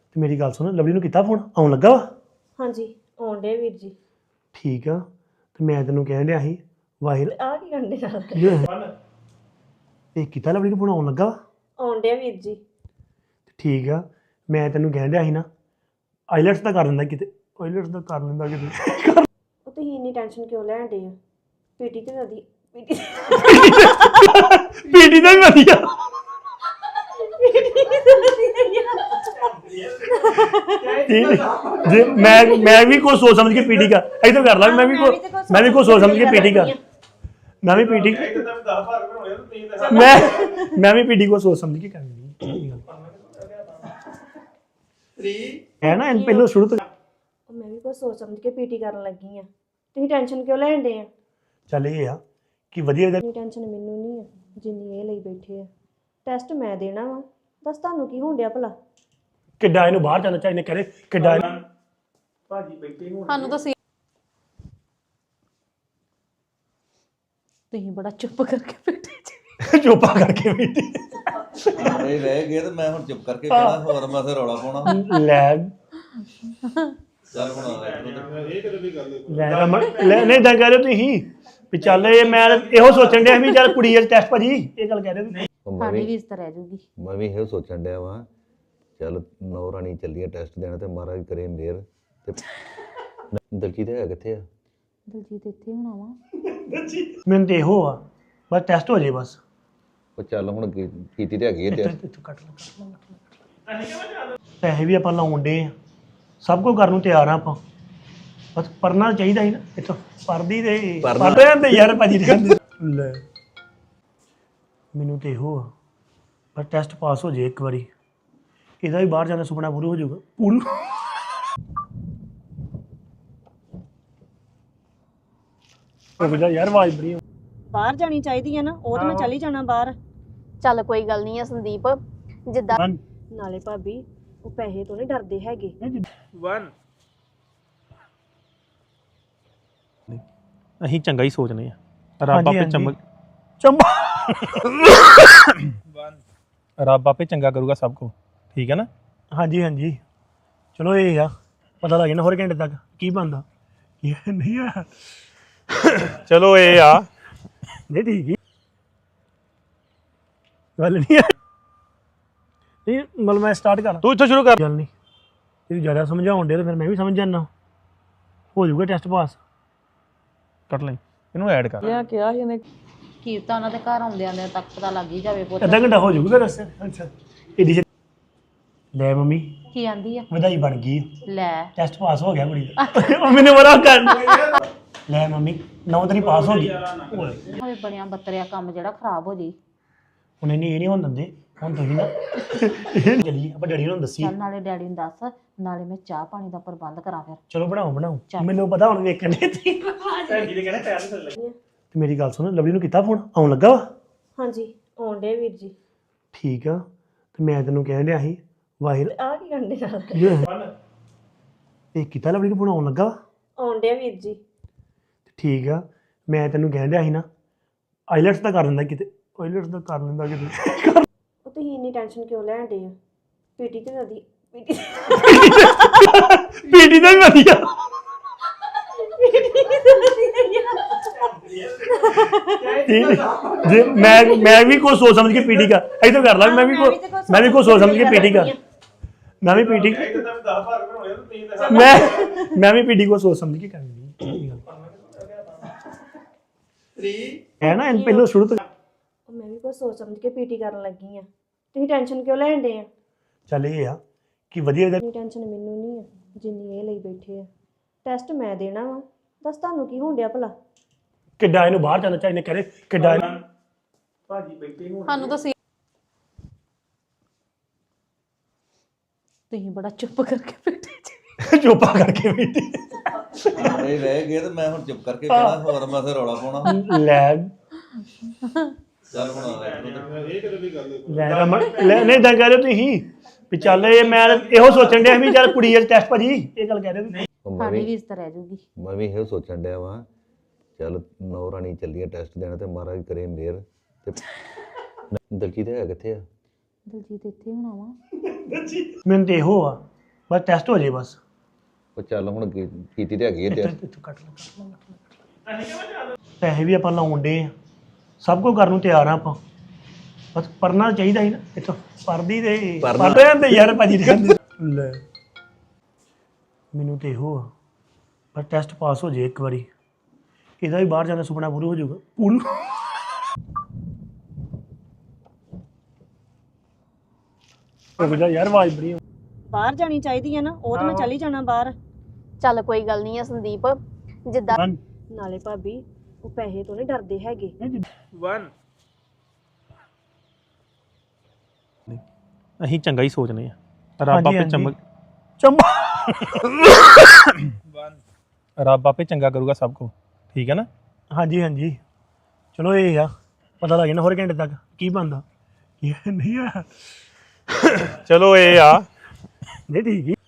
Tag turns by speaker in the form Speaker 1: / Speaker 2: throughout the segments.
Speaker 1: ਤੇ ਮੇਰੀ ਗੱਲ ਸੁਣ ਲਵਲੀ ਨੂੰ ਕੀਤਾ ਫੋਨ ਆਉਣ ਲੱਗਾ ਵਾ
Speaker 2: ਹਾਂਜੀ ਆਉਣ ਡੇ ਵੀਰ ਜੀ।
Speaker 1: ਠੀਕ ਆ ਤੇ ਮੈਂ ਤੈਨੂੰ ਕਹਿਣ ਡਿਆ ਸੀ ਵਾਹਿਰ
Speaker 2: ਆ ਕੀ ਕਰਨ ਦੇ ਨਾਲ
Speaker 1: ਇਹ ਕੀਤਾ ਲਵਲੀ ਨੂੰ ਫੋਨ ਆਉਣ ਲੱਗਾ ਵਾ
Speaker 2: ਆਉਣ ਡੇ ਵੀਰ ਜੀ।
Speaker 1: ਠੀਕ ਆ ਮੈਂ ਤੈਨੂੰ ਕਹਿਣ ਡਿਆ ਸੀ ਨਾ ਆਈਲੈਟਸ ਦਾ ਕਰ ਲੈਂਦਾ ਕਿਤੇ ਆਈਲੈਟਸ ਦਾ ਕਰ ਲੈਂਦਾ ਕਿਤੇ
Speaker 2: ਉਹ ਤੁਸੀਂ ਇੰਨੀ ਟੈਨਸ਼ਨ ਕਿਉਂ ਲੈਣ ਡੇ ਆ? ਪੀਟੀ ਤੇ ਨਦੀ ਪੀਟੀ
Speaker 1: ਪੀਟੀ ਦਾ ਵੀ ਵਧੀਆ ਜੇ ਮੈਂ ਵੀ ਕੁਝ ਸੋਚ ਸਮਝ ਕੇ ਪੀਟੀ ਕਰ ਇਧਰ ਕਰ ਲਾ ਮੈਂ ਵੀ ਕੁਝ ਸੋਚ ਸਮਝ ਕੇ ਪੀਟੀ ਕਰ ਮੈਂ ਵੀ ਪੀਟੀ ਮੈਂ ਵੀ ਪੀਟੀ ਕੋ ਸੋਚ ਸਮਝ ਕੇ ਕਰਨੀ ਹੈ ਨਾ ਇਹ ਪਹਿਲਾਂ ਸ਼ੁਰੂ ਤੋਂ
Speaker 2: ਮੈਂ ਵੀ ਕੁਝ ਸੋਚ ਸਮਝ ਕੇ ਪੀਟੀ ਕਰਨ ਲੱਗੀ ਆ। ਤੁਸੀਂ ਟੈਨਸ਼ਨ ਕਿਉਂ ਲੈਣ ਡੇ ਆ?
Speaker 1: ਚੱਲ ਇਹ ਆ ਕਿ ਵਧੀਆ
Speaker 2: ਇੰਨੀ ਟੈਨਸ਼ਨ ਮੈਨੂੰ ਨਹੀਂ ਆ ਜਿੰਨੀ ਇਹ ਲਈ ਬੈਠੇ ਆ। ਟੈਸਟ ਮੈਂ ਦੇਣਾ ਵਾ, ਦੱਸ ਤੁਹਾਨੂੰ ਕੀ ਹੋਣ ਡਿਆ ਭਲਾ?
Speaker 1: ਕਿੱਡਾ ਇਹਨੂੰ ਬਾਹਰ ਜਾਣਾ ਚਾਹੀਦਾ ਕਰੇ ਕਿੱਡਾ
Speaker 3: ਭਾਜੀ ਬੈਠੇ ਹੋਣ
Speaker 4: ਸਾਨੂੰ ਤਾਂ ਤੁਸੀਂ ਬੜਾ ਚੁੱਪ ਕਰਕੇ ਬੈਠੇ ਜੀ।
Speaker 1: ਚੋਪਾ ਕਰਕੇ ਬੈਠੀ
Speaker 5: ਸਾਰੇ ਰਹਿ ਗਏ ਤੇ ਮੈਂ ਹੁਣ ਚੁੱਪ ਕਰਕੇ ਕਹਿਣਾ ਹੋਰ ਮੈਂ ਫਿਰ ਰੌਲਾ ਪਾਉਣਾ
Speaker 1: ਲੈ
Speaker 5: ਚੱਲ ਹੁਣ
Speaker 3: ਇਹ ਕਦੇ ਵੀ ਗੱਲ
Speaker 1: ਲੈ ਰਮਨ ਲੈ ਨਹੀਂ ਤਾਂ ਕਹਿ ਰਹੇ ਤੁਸੀਂ ਵੀ ਚੱਲ ਇਹ ਮੈਂ ਇਹੋ ਸੋਚਣ ਡਿਆ ਵੀ ਚੱਲ ਕੁੜੀ ਦਾ ਟੈਸਟ ਭਾਜੀ ਇਹ ਗੱਲ ਕਹਿ ਰਹੇ ਤੁਸੀਂ
Speaker 4: ਸਾਡੀ ਵੀ ਇਸ ਤਰ੍ਹਾਂ ਰਹਿ ਜੂਗੀ।
Speaker 5: ਮੈਂ ਵੀ ਇਹੋ ਸੋਚਣ ਡਿਆ ਵਾਂ ਚੱਲ ਨੌ ਰਾਣੀ ਚੱਲੀਏ ਟੈਸਟ ਦੇਣਾ ਤੇ ਮਹਾਰਾਜ ਕਰੇ ਮਿਹਰ ਤੇ ਦਲਜੀਤ ਹੈ ਕਿੱਥੇ ਆ?
Speaker 4: ਦਲਜੀਤ ਇੱਥੇ ਹੋਣਾ ਵਾ।
Speaker 1: ਮੈਨੂੰ ਤੇ ਇਹੋ ਆ ਬਸ ਟੈਸਟ ਹੋ ਜੇ ਬਸ
Speaker 5: ਉਹ ਚੱਲ ਹੁਣ ਕੀਤੀ ਤੇ ਹੈਗੀ ਹੈ ਟੈਸਟ
Speaker 1: ਇੱਥੋਂ ਕੱਟ ਪੈਸੇ ਵੀ ਆਪਾਂ ਲਾਉਣ ਡੇ ਆ ਸਭ ਕੁਝ ਕਰਨ ਨੂੰ ਤਿਆਰ ਆ ਆਪਾਂ ਬਸ ਪੜਨਾ ਚਾਹੀਦਾ ਸੀ ਨਾ ਇੱਥੋਂ ਪੜਦੀ ਤੇ ਪੜਦੇ ਹੁੰਦੇ ਯਾਰ ਭਾਜੀ ਲੈ ਮੈਨੂੰ ਤੇ ਇਹੋ ਆ ਪਰ ਟੈਸਟ ਪਾਸ ਹੋ ਜੇ ਇੱਕ ਵਾਰੀ ਇਹਦਾ ਵੀ ਬਾਹਰ ਜਾਣ ਦਾ ਸੁਪਨਾ ਪੂਰਾ ਹੋ ਜਾਊਗਾ ਪੂਰਾ ਯਾਰ ਆਵਾਜ਼ ਬੜੀ
Speaker 2: ਬਾਹਰ ਜਾਣੀ ਚਾਹੀਦੀ ਆ ਨਾ, ਉਹ ਤਾਂ ਮੈਂ ਚੱਲ ਹੀ ਜਾਣਾ ਬਾਹਰ।
Speaker 4: ਚੱਲ ਕੋਈ ਗੱਲ ਨਹੀਂ ਆ ਸੰਦੀਪ, ਜਿੱਦਾਂ
Speaker 2: ਨਾਲੇ ਭਾਬੀ ਉਹ ਪੈਸੇ ਤੋਂ ਨਹੀਂ ਡਰਦੇ ਹੈਗੇ।
Speaker 3: 1
Speaker 6: ਅਸੀਂ ਚੰਗਾ ਹੀ ਸੋਚਨੇ ਆ ਰੱਬ ਆਪੇ ਰੱਬ ਆਪੇ ਚੰਗਾ ਕਰੂਗਾ ਸਭ ਕੁਝ ਠੀਕ ਹੈ ਨਾ।
Speaker 1: ਹਾਂਜੀ ਹਾਂਜੀ ਚਲੋ ਇਹ ਆ ਪਤਾ ਲੱਗ ਜਾਣਾ ਹੋਰ ਘੰਟੇ ਤੱਕ ਕੀ ਬਣਦਾ ਇਹ ਨਹੀਂ ਆ
Speaker 6: ਚਲੋ ਇਹ ਆ
Speaker 1: ਨਹੀਂ ਠੀਕ ਹੀ ਗੱਲ ਨਹੀਂ ਆ ਇਹ ਮਤਲਬ ਮੈਂ ਸਟਾਰਟ ਕਰਾਂ
Speaker 6: ਤੂੰ ਇੱਥੋਂ ਸ਼ੁਰੂ ਕਰ।
Speaker 1: ਗੱਲ ਨਹੀਂ ਇਹ ਜ਼ਿਆਦਾ ਸਮਝਾਉਣ ਦੇ ਤਾਂ ਫਿਰ ਮੈਂ ਵੀ ਸਮਝ ਜਾਣਾ ਹੋ ਜਾਊਗਾ ਟੈਸਟ ਪਾਸ
Speaker 6: ਕੱਟ ਲੈ ਇਹਨੂੰ ਐਡ ਕਰ।
Speaker 4: ਕੀ ਤਾਂ ਉਹਨਾਂ ਦੇ ਘਰ ਆਉਂਦਿਆਂ ਦੇ ਤੱਕ ਪਤਾ ਲੱਗ ਹੀ ਜਾਵੇ ਪੁੱਤ।
Speaker 1: ਅੱਧਾ ਘੰਟਾ ਹੋ ਜਾਊਗਾ ਫਿਰ ਰਸਤੇ ਅੱਛਾ ਇਹਦੀ ਲੈ ਮੰਮੀ
Speaker 4: ਕੀ ਆਂਦੀ ਆ?
Speaker 1: ਵਧਾਈ ਬਣ ਗਈ
Speaker 4: ਲੈ
Speaker 1: ਟੈਸਟ ਪਾਸ ਹੋ ਗਿਆ ਕੁੜੀ ਦਾ ਉਹ ਮੈਨੂੰ ਬੜਾ ਕਰ ਲੈ ਮੰਮੀ 9 ਤਰੀ ਪਾਸ ਹੋ ਗਈ
Speaker 4: ਹੋਏ ਬਣਿਆ ਬੱਤਰਿਆ ਕੰਮ ਜਿਹੜਾ ਖਰਾਬ ਹੋ ਜੀ।
Speaker 1: ਹੁਣ ਇਹ ਨਹੀਂ ਹੋਣ ਦਿੰਦੇ ਹੁਣ ਤੁਸੀਂ ਨਾ ਚਲੀ ਆਪਾਂ ਡੈਡੀ ਨੂੰ ਦੱਸੀ
Speaker 4: ਚੱਲ ਨਾਲੇ ਡੈਡੀ ਨੂੰ ਦੱਸ, ਨਾਲੇ ਮੈਂ ਚਾਹ ਪਾਣੀ ਦਾ ਪ੍ਰਬੰਧ ਕਰਾਂ ਫਿਰ।
Speaker 1: ਚਲੋ ਬਣਾਓ ਮੈਨੂੰ ਪਤਾ ਹੁਣ ਵੇਖਣ ਦੇ ਤੇ ਮੇਰੀ ਗੱਲ ਸੁਣ ਲਵਲੀ ਨੂੰ ਕੀਤਾ ਫੋਨ ਆਉਣ ਲੱਗਾ ਵਾ
Speaker 2: ਹਾਂਜੀ ਆਉਣ ਡੇ ਵੀਰ ਜੀ।
Speaker 1: ਠੀਕ ਆ ਤੇ ਮੈਂ ਤੈਨੂੰ ਕਹਿਣ ਡਿਆ ਸੀ ਵਾਹਿਰ
Speaker 2: ਆ ਕੀ ਕਰਨ ਦੇ ਨਾਲ
Speaker 1: ਇਹ ਕੀਤਾ ਲਵਲੀ ਨੂੰ ਫੋਨ ਆਉਣ ਲੱਗਾ ਵਾ
Speaker 2: ਆਉਣ ਡੇ ਵੀਰ ਜੀ।
Speaker 1: ਠੀਕ ਆ ਮੈਂ ਤੈਨੂੰ ਕਹਿਣ ਡਿਆ ਸੀ ਨਾ ਆਈਲੈਟਸ ਦਾ ਕਰ ਲੈਂਦਾ ਕਿਤੇ ਆਈਲੈਟਸ ਦਾ ਕਰ ਲੈਂਦਾ ਕਿਤੇ
Speaker 2: ਉਹ ਤੁਸੀਂ ਇੰਨੀ ਟੈਨਸ਼ਨ ਕਿਉਂ ਲੈਣ ਡੇ ਆ? ਪੀਟੀ ਤੇ ਨਦੀ ਪੀਟੀ
Speaker 1: ਪੀਟੀ ਦਾ ਵੀ ਵਧੀਆ ਜੇ ਮੈਂ ਵੀ ਕੁਝ ਸੋਚ ਸਮਝ ਕੇ ਪੀਟੀ ਕਰ ਇਧਰ ਕਰ ਲਾ ਮੈਂ ਵੀ ਕੁਝ ਸੋਚ ਸਮਝ ਕੇ ਪੀਟੀ ਕਰ ਮੈਂ ਵੀ ਪੀਟੀ ਮੈਂ ਵੀ ਪੀਟੀ ਕੋ ਸੋਚ ਸਮਝ ਕੇ ਕਰਨੀ ਹੈ ਨਾ ਇਹ ਪਹਿਲਾਂ ਸ਼ੁਰੂ ਤੋਂ
Speaker 2: ਮੈਂ ਵੀ ਕੁਝ ਸੋਚ ਸਮਝ ਕੇ ਪੀਟੀ ਕਰਨ ਲੱਗੀ ਆ। ਤੁਸੀਂ ਟੈਨਸ਼ਨ ਕਿਉਂ ਲੈਣ ਡੇ ਆ?
Speaker 1: ਚੱਲ ਇਹ ਆ ਕਿ ਵਧੀਆ
Speaker 2: ਇੰਨੀ ਟੈਨਸ਼ਨ ਮੈਨੂੰ ਨਹੀਂ ਆ ਜਿੰਨੀ ਇਹ ਲਈ ਬੈਠੇ ਆ। ਟੈਸਟ ਮੈਂ ਦੇਣਾ ਵਾ, ਦੱਸ ਤੁਹਾਨੂੰ ਕੀ ਹੋਣ ਡਿਆ ਭਲਾ?
Speaker 1: ਕਿੱਡਾ ਇਹਨੂੰ ਬਾਹਰ ਜਾਣਾ ਚਾਹੀਦਾ ਕਰੇ ਕਿੱਡਾ
Speaker 3: ਭਾਜੀ ਬੈਠੇ ਹੋਣ
Speaker 4: ਸਾਨੂੰ ਤਾਂ ਤੁਸੀਂ ਬੜਾ ਚੁੱਪ ਕਰਕੇ ਬੈਠੇ ਜੀ।
Speaker 1: ਚੋਪਾ ਕਰਕੇ ਬੈਠੀ
Speaker 5: ਸਾਰੇ ਰਹਿ ਗਏ ਤੇ ਮੈਂ ਹੁਣ ਚੁੱਪ ਕਰਕੇ ਕਹਿਣਾ ਹੋਰ ਮੈਂ ਫਿਰ ਰੌਲਾ ਪਾਉਣਾ
Speaker 1: ਲੈ
Speaker 5: ਚੱਲ ਹੁਣ
Speaker 3: ਇਹ ਕਦੇ ਵੀ ਗੱਲ
Speaker 1: ਲੈ ਰਮਨ ਲੈ ਨਹੀਂ ਤਾਂ ਕਹਿ ਰਹੇ ਤੁਸੀਂ ਵੀ ਚੱਲ ਇਹ ਮੈਂ ਇਹੋ ਸੋਚਣ ਡਿਆ ਵੀ ਚੱਲ ਕੁੜੀ ਦਾ ਟੈਸਟ ਭਾਜੀ ਇਹ ਗੱਲ ਕਹਿ ਰਹੇ ਤੁਸੀਂ
Speaker 4: ਸਾਡੀ ਵੀ ਇਸ ਤਰ੍ਹਾਂ ਰਹਿ ਜੂਗੀ।
Speaker 5: ਮੈਂ ਵੀ ਇਹੋ ਸੋਚਣ ਡਿਆ ਵਾਂ ਚੱਲ ਨੌ ਰਾਣੀ ਚੱਲੀਏ ਟੈਸਟ ਦੇਣਾ ਤੇ ਮਹਾਰਾਜ ਕਰੇ ਮਿਹਰ ਤੇ ਦਲਜੀਤ ਹੈ ਕਿੱਥੇ ਆ?
Speaker 4: ਦਲਜੀਤ ਇੱਥੇ ਹੋਣਾ ਵਾ।
Speaker 1: ਮੈਨੂੰ ਤੇ ਇਹੋ ਆ ਬਸ ਟੈਸਟ ਹੋ ਜੇ ਬਸ
Speaker 5: ਉਹ ਚੱਲ ਹੁਣ ਕੀਤੀ ਤੇ ਹੈਗੀ ਹੈ ਤੇ
Speaker 1: ਇੱਥੋਂ ਕੱਟ ਲੈ ਪੈਸੇ ਵੀ ਆਪਾਂ ਲਾਉਣ ਦੇ ਆ ਸਭ ਕੁਝ ਕਰਨ ਨੂੰ ਤਿਆਰ ਆ ਆਪਾਂ ਬਸ ਪੜਨਾ ਚਾਹੀਦਾ ਸੀ ਨਾ ਇੱਥੋਂ ਪੜਦੀ ਤੇ ਪੜ ਰਹੇ ਤੇ ਯਾਰ ਭਾਜੀ ਰਹਿੰਦੇ ਲੈ ਮੈਨੂੰ ਤੇ ਇਹੋ ਆ ਪਰ ਟੈਸਟ ਪਾਸ ਹੋ ਜੇ ਇੱਕ ਵਾਰੀ ਇਹਦਾ ਵੀ ਬਾਹਰ ਜਾਣ ਦਾ ਸੁਪਨਾ ਪੂਰਾ ਹੋ ਜਾਊਗਾ ਪੂਰਾ ਯਾਰ ਆਵਾਜ਼ ਬੜੀ
Speaker 2: ਬਾਹਰ ਜਾਣੀ ਚਾਹੀਦੀ ਹੈ ਨਾ ਉਹ ਤਾਂ ਮੈਂ ਚਲੀ ਜਾਣਾ ਬਾਹਰ
Speaker 7: ਚੱਲ ਕੋਈ ਗੱਲ ਨਹੀਂ ਆ ਸੰਦੀਪ ਜਿੱਦਾਂ
Speaker 2: ਨਾਲੇ ਭਾਬੀ ਉਹ ਪੈਸੇ ਤੋਂ ਨਹੀਂ ਡਰਦੇ ਹੈਗੇ
Speaker 3: 1
Speaker 6: ਅਸੀਂ ਚੰਗਾ ਹੀ ਸੋਚਨੇ ਆ ਰੱਬ ਆਪੇ ਰੱਬ ਆਪੇ ਚੰਗਾ ਕਰੂਗਾ ਸਭ ਕੁਝ ਠੀਕ ਹੈ ਨਾ
Speaker 1: ਹਾਂਜੀ ਹਾਂਜੀ ਚਲੋ ਇਹ ਆ ਪਤਾ ਲੱਗ ਜਾਣਾ ਹੋਰ ਘੰਟੇ ਤੱਕ ਕੀ ਬਣਦਾ ਕੀ ਨਹੀਂ ਆ
Speaker 6: ਚਲੋ ਇਹ ਆ
Speaker 1: ਨਹੀਂ ਠੀਕ ਹੀ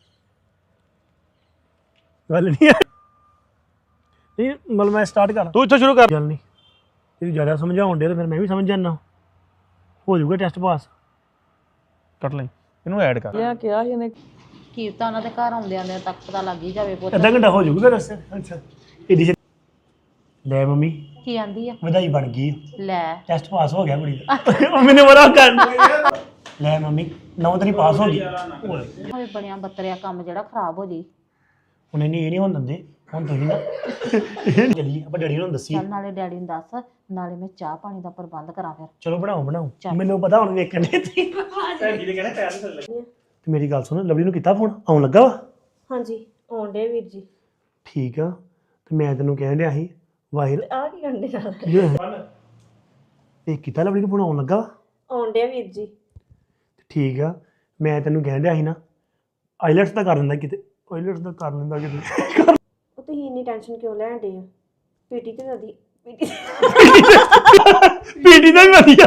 Speaker 1: ਗੱਲ ਨਹੀਂ ਆ ਇਹ ਮਤਲਬ ਮੈਂ ਸਟਾਰਟ ਕਰਾਂ
Speaker 6: ਤੂੰ ਇੱਥੋਂ ਸ਼ੁਰੂ ਕਰ
Speaker 1: ਗੱਲ ਨਹੀਂ ਤੇਰੀ ਜ਼ਿਆਦਾ ਸਮਝਾਉਣ ਦੇ ਤਾਂ ਫਿਰ ਮੈਂ ਵੀ ਸਮਝ ਜਾਣਾ ਹੋ ਜਾਊਗਾ ਟੈਸਟ ਪਾਸ
Speaker 6: ਕੱਟ ਲਈ ਇਹਨੂੰ ਐਡ ਕਰ
Speaker 4: ਕੀ ਤਾਂ ਉਹਨਾਂ ਦੇ ਘਰ ਆਉਂਦਿਆਂ ਤੱਕ ਪਤਾ ਲੱਗ ਹੀ ਜਾਵੇ ਪੁੱਤ
Speaker 1: ਅੱਧਾ ਘੰਟਾ ਹੋ ਜਾਊਗਾ ਰਸਤੇ ਅੱਛਾ ਇਹਦੀ ਲੈ ਮੰਮੀ
Speaker 4: ਕੀ ਆਂਦੀ ਆ
Speaker 1: ਵਧਾਈ ਬਣ ਗਈ
Speaker 4: ਲੈ
Speaker 1: ਟੈਸਟ ਪਾਸ ਹੋ ਗਿਆ ਕੁੜੀ ਦਾ ਉਹ ਮੈਨੂੰ ਬੜਾ ਕਰ ਲੈ ਮੰਮੀ 9 ਤਰੀ ਪਾਸ ਹੋ ਗਈ
Speaker 4: ਹੋਵੇ ਬਣਿਆ ਬੱਤਰਿਆ ਕੰਮ ਜਿਹੜਾ ਖਰਾਬ ਹੋ ਜੀ
Speaker 1: ਹੁਣ ਇਹ ਨਹੀਂ ਹੋਣ ਦਿੰਦੇ ਹੁਣ ਤੁਸੀਂ ਨਾ ਚਲੀ ਆਪਾਂ ਡੈਡੀ ਨੂੰ ਦੱਸੀ
Speaker 4: ਚੱਲ ਨਾਲੇ ਡੈਡੀ ਨੂੰ ਦੱਸ ਨਾਲੇ ਮੈਂ ਚਾਹ ਪਾਣੀ ਦਾ ਪ੍ਰਬੰਧ ਕਰਾਂ ਫਿਰ
Speaker 1: ਚਲੋ ਬਣਾਓ ਮੈਨੂੰ ਪਤਾ ਹੁਣ ਵੇਖਣ ਦੇ ਤੇ ਮੇਰੀ ਗੱਲ ਸੁਣ ਲਵਲੀ ਨੂੰ ਕੀਤਾ ਫੋਨ ਆਉਣ ਲੱਗਾ ਵਾ
Speaker 2: ਹਾਂਜੀ ਆਉਣ ਡੇ ਵੀਰ ਜੀ
Speaker 1: ਠੀਕ ਆ ਤੇ ਮੈਂ ਤੈਨੂੰ ਕਹਿਣ ਡਿਆ ਸੀ ਵਾਹਿਰ
Speaker 2: ਆ ਕੀ ਕਰਨ ਦੇ ਨਾਲ
Speaker 1: ਇਹ ਕੀਤਾ ਲਵਲੀ ਨੂੰ ਫੋਨ ਆਉਣ ਲੱਗਾ ਵਾ
Speaker 2: ਆਉਣ ਡੇ ਵੀਰ ਜੀ
Speaker 1: ਠੀਕ ਆ ਮੈਂ ਤੈਨੂੰ ਕਹਿਣ ਡਿਆ ਸੀ ਨਾ ਆਈਲੈਟਸ ਦਾ ਕਰ ਲੈਂਦਾ ਕਿਤੇ ਆਈਲੈਟਸ ਦਾ ਕਰ ਲੈਂਦਾ ਕਿਤੇ
Speaker 2: ਉਹ ਤੁਸੀਂ ਇੰਨੀ ਟੈਨਸ਼ਨ ਕਿਉਂ ਲੈਣ ਡੇ ਆ ਪੀਟੀ ਤੇ ਨਦੀ ਪੀਟੀ
Speaker 1: ਪੀਟੀ ਦਾ ਵੀ ਵਧੀਆ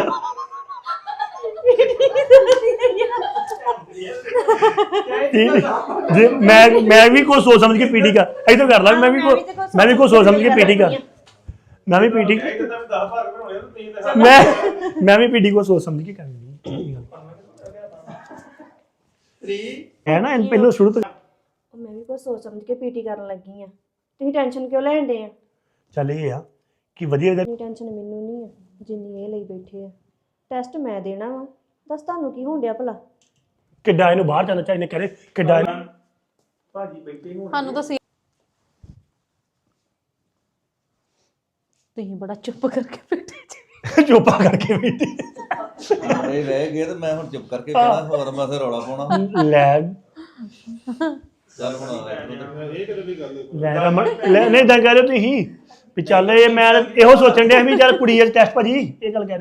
Speaker 1: ਜੇ ਮੈਂ ਵੀ ਕੁਝ ਸੋਚ ਸਮਝ ਕੇ ਪੀਟੀ ਕਰ ਇਧਰ ਕਰ ਲਾ ਮੈਂ ਵੀ ਕੁਝ ਸੋਚ ਸਮਝ ਕੇ ਪੀਟੀ ਕਰ ਮੈਂ ਵੀ ਪੀਟੀ ਮੈਂ ਵੀ ਪੀਟੀ ਕੋ ਸੋਚ ਸਮਝ ਕੇ ਕਰਨੀ ਹੈ ਨਾ ਇਹ ਪਹਿਲਾਂ ਸ਼ੁਰੂ ਤੋਂ
Speaker 2: ਮੈਂ ਵੀ ਕੁਝ ਸੋਚ ਸਮਝ ਕੇ ਪੀਟੀ ਕਰਨ ਲੱਗੀ ਆ ਤੁਸੀਂ ਟੈਨਸ਼ਨ ਕਿਉਂ ਲੈਣ ਡੇ ਆ
Speaker 1: ਚੱਲ ਇਹ ਆ ਕਿ ਵਧੀਆ
Speaker 2: ਇੰਨੀ ਟੈਨਸ਼ਨ ਮੈਨੂੰ ਨਹੀਂ ਆ ਜਿੰਨੀ ਇਹ ਲਈ ਬੈਠੇ ਆ ਟੈਸਟ ਮੈਂ ਦੇਣਾ ਵਾ ਦੱਸ ਤੁਹਾਨੂੰ ਕੀ ਹੋਣ ਡਿਆ ਭਲਾ
Speaker 1: ਕਿੱਡਾ ਇਹਨੂੰ ਬਾਹਰ ਜਾਣਾ ਚਾਹੀਦਾ ਕਰੇ ਕਿੱਡਾ
Speaker 3: ਭਾਜੀ ਬੈਠੇ ਹੁਣ
Speaker 4: ਸਾਨੂੰ ਤਾਂ ਤੁਸੀਂ ਬੜਾ ਚੁੱਪ ਕਰਕੇ ਬੈਠੇ ਜੀ
Speaker 1: ਚੋਪਾ ਕਰਕੇ ਬੈਠੀ
Speaker 5: ਇਹ ਰਹਿ ਗਏ ਤੇ ਮੈਂ ਹੁਣ ਚੁੱਪ ਕਰਕੇ ਕਹਿਣਾ ਹੋਰ ਮੈਂ ਫਿਰ ਰੌਲਾ ਪਾਉਣਾ
Speaker 1: ਲੈ
Speaker 5: ਚੱਲ ਹੁਣ
Speaker 3: ਇਹ ਕਦੇ ਵੀ ਗੱਲ
Speaker 1: ਲੈ ਰਮਨ ਲੈ ਨਹੀਂ ਤਾਂ ਕਹਿ ਰਹੇ ਤੁਸੀਂ ਵੀ ਚੱਲ ਇਹ ਮੈਂ ਇਹੋ ਸੋਚਣ ਡਿਆ ਵੀ ਚੱਲ ਕੁੜੀ ਦਾ ਟੈਸਟ ਭਾਜੀ ਇਹ ਗੱਲ ਕਹਿ ਰਹੇ